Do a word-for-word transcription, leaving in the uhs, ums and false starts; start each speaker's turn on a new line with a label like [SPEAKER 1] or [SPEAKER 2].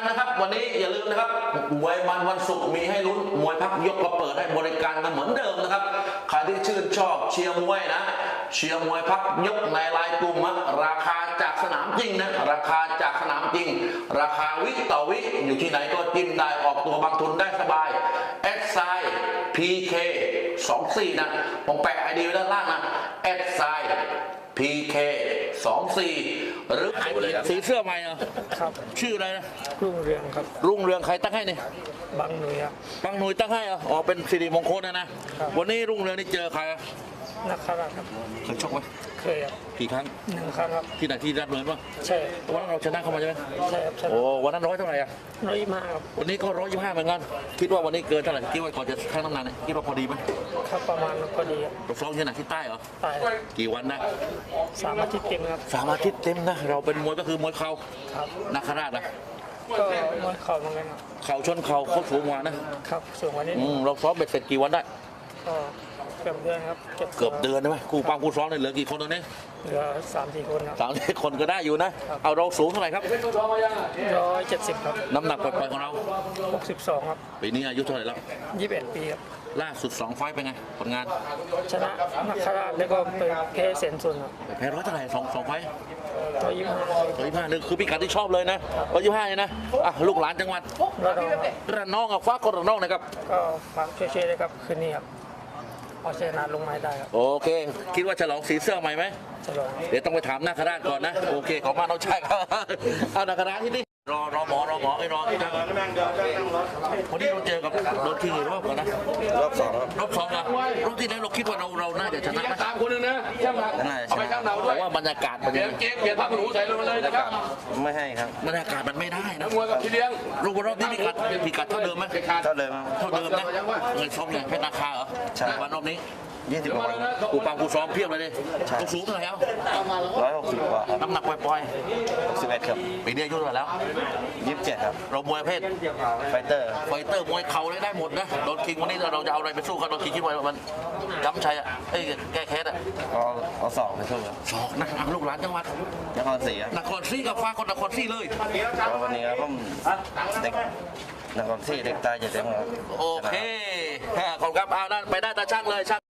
[SPEAKER 1] นะครับวันนี้อย่าลืมนะครับมวยมันวันศุกร์มีให้ลุ้นมวยพักยกมาเปิดให้บริการกันเหมือนเดิมนะครับใครที่ชื่นชอบเชียร์มวยนะเชียร์มวยพักยกในไลน์กลุ่มนะราคาจากสนามจริงนะราคาจากสนามจริงราคาวิต่อวิอยู่ที่ไหนก็จิ้มได้ออกตัวบางทุนได้สบายแอดไซน์ พี เค สองสี่นะผมแปะไอดีไว้ด้านล่างนะแอดไซน์ พี เค สองสี่หรือสีเสื้อใหม่เหรอ
[SPEAKER 2] ครับ
[SPEAKER 1] ชื่ออะไรนะ
[SPEAKER 2] รุ่งเรืองครับ
[SPEAKER 1] รุ่งเรืองใครตั้งให้เนี่ย
[SPEAKER 2] บางหน่วยครับ
[SPEAKER 1] บางหน่วยตั้งให้เหรออ๋อเป็นสิริมงคลนะนะครับ วันนี้รุ่งเรืองนี่เจอใครอะ
[SPEAKER 2] นักข่าวครับ
[SPEAKER 1] เคยชกไหม
[SPEAKER 2] เคยครับ
[SPEAKER 1] กี่ครั้ง
[SPEAKER 2] หนึ่งครั้งครับ
[SPEAKER 1] ที่ไหนที่รัดเลยป่ะ
[SPEAKER 2] ใช่
[SPEAKER 1] วันนั้นเราชนะเข้ามาใช่ไหม
[SPEAKER 2] ใช่ครับชนะ
[SPEAKER 1] โอ้วันนั้นร้อยเท่าไหร่อะ
[SPEAKER 2] ร้อยยี่สิบห้าครับ
[SPEAKER 1] วันนี้ก็ร้อยยี่สิบห้าเหมือนกันคิดว่าวันนี้เกินเท่าไหร่คิดว่าก่อนจะชั่งน้ำหนักเนี่ยคิดว่าพอดีไหม
[SPEAKER 2] ครับประมาณพอดีครับ
[SPEAKER 1] เราซ้อมที่ไหนที่ใต้เหรอ
[SPEAKER 2] ตาย
[SPEAKER 1] กี่วันนะ
[SPEAKER 2] สามอาทิตย์เต็มครับ
[SPEAKER 1] สามอาทิตย์เต็มนะเราเป็นมวยก็คือมวยเข่า
[SPEAKER 2] ครับ
[SPEAKER 1] นาคราชนะ
[SPEAKER 2] ก็มวยเข่าเหมือนกันครับ
[SPEAKER 1] เข่าชนเข่าเขาสูงกว่านะครับ
[SPEAKER 2] สูงกว่านี้
[SPEAKER 1] อืมเราซ้อมเบ็ดเสร็จกี่วันได้
[SPEAKER 2] ก็เกือบเดือนครับ
[SPEAKER 1] เกือบเดือนใช่ไหมคู่ปังคู่ซ้อมเนี่ยเหลือกี่คนตอนนี้
[SPEAKER 2] เหลือสามสี่คนครับ
[SPEAKER 1] สามสิบคนก็ได้อยู่นะ เอาเราสูงเท่าไหร่ครับ
[SPEAKER 2] ร้อยเจ็ดสิบครับ
[SPEAKER 1] น้ำหนักปล่อยๆของเรา
[SPEAKER 2] หกสิบสองครับ
[SPEAKER 1] ปีนี้อายุเท่าไหร่แล้ว
[SPEAKER 2] ยี่สิบเอ็ดปีครับ
[SPEAKER 1] ล่าสุดสองไฟต์เป็นไงผลงาน
[SPEAKER 2] ชนะนักข่าวแล้วก็ไปแพ้เซนซุนครับ
[SPEAKER 1] แพ้ร้อยเท่าไหร่สองสองไฟต์
[SPEAKER 2] ร้อยยี่สิบห้า
[SPEAKER 1] ร้อยยี่สิบห้านึงคือพิกัดที่ชอบเลยนะร้อยยี่สิบห้าเลยนะอ่ะลูกหลานจังหวัด
[SPEAKER 2] แล้วก็
[SPEAKER 1] ระนองอ่ะฟ้าคนระนองนะครับ
[SPEAKER 2] ก็ฝากช่วยๆเลยครับคืนนี้ครับเอาชนะลงไม้ได้ครับ
[SPEAKER 1] โอเค คิดว่าฉลองสีเสื้อใหม่ไหม
[SPEAKER 2] ฉลอง
[SPEAKER 1] เดี๋ยวต้องไปถามนาคราชก่อนนะโอเคขอบคุณน้องชายครับเอานาคราชที่นี่รอรอหมอรอหมอไอ้รอที่นั่งวันนี้เราเจอกับโดนคิงอีกรอบก่อนนะ
[SPEAKER 3] รอบสองครับ
[SPEAKER 1] รอบสองนะรอบที่แล้วเราคิดว่าเราเราน่าจะชนะไหม
[SPEAKER 4] ตามคนหนึ่งนะช่างหนัก
[SPEAKER 3] น่าจะช
[SPEAKER 4] เอาไป
[SPEAKER 3] นะ
[SPEAKER 4] ช่างหนัก
[SPEAKER 1] เพ
[SPEAKER 4] ด้วย
[SPEAKER 1] ราะว่าบรรยากาศมัน
[SPEAKER 4] เปลี่ยนเกมเปลี่ยนผ้าขนหนูใส่ลงมาเลยนะครับ
[SPEAKER 3] ไม่ให้ครับ
[SPEAKER 1] บรรยากาศมันไม่ได้นะ
[SPEAKER 4] มวยกับพี่เลี้ยง
[SPEAKER 1] รูปรอบนี้พิกัดพิกัดเท่าเดิมไหม
[SPEAKER 4] เด็ดขาด
[SPEAKER 3] เท่าเดิมครับ
[SPEAKER 1] เท่าเดิมนะเงินซ้อมอย่างเพชรนาคาเหรอ
[SPEAKER 3] ใช่
[SPEAKER 1] วันรอบนี้
[SPEAKER 3] ยี่สิบกว่าครับ
[SPEAKER 1] กูปังกูซ้อมเพียบเลยดิกูสูงเท่าไหร่แล้ว
[SPEAKER 3] ร้อยหกสิบกว่าครับ
[SPEAKER 1] น้ำหนักปล่อย
[SPEAKER 3] หกสิบเอ็ดครับ
[SPEAKER 1] ๆปีนี้อายุเท่าไหร่แล้ว
[SPEAKER 3] ยี่สิบเจ็ดครับ
[SPEAKER 1] เรามวยประเภท
[SPEAKER 3] ไฟเตอร์
[SPEAKER 1] ไฟเตอร์มวยเข่าเลยได้หมดนะโดนคิงวันนี้เราจะเอาอะไรไปสู้เขาโดนคิงคิดว่ามันย้ำชัยอ่ะเอ้ยแก้แค้นอ่ะ
[SPEAKER 3] ก็เอาสองไปสู้ครับ
[SPEAKER 1] สอกนะอ่ะลูกหลานจังหวัด
[SPEAKER 3] นครศรีครับ
[SPEAKER 1] นครศรีกับฟ้าคนนครศรีเลย
[SPEAKER 3] ก็วันนี้ครับผมเด็กนครศรีเด็กตายเจ็ดเต็มครับ
[SPEAKER 1] โอเคขอบคุณครับเอานั่นไปได้ตาช่างเลยช่าง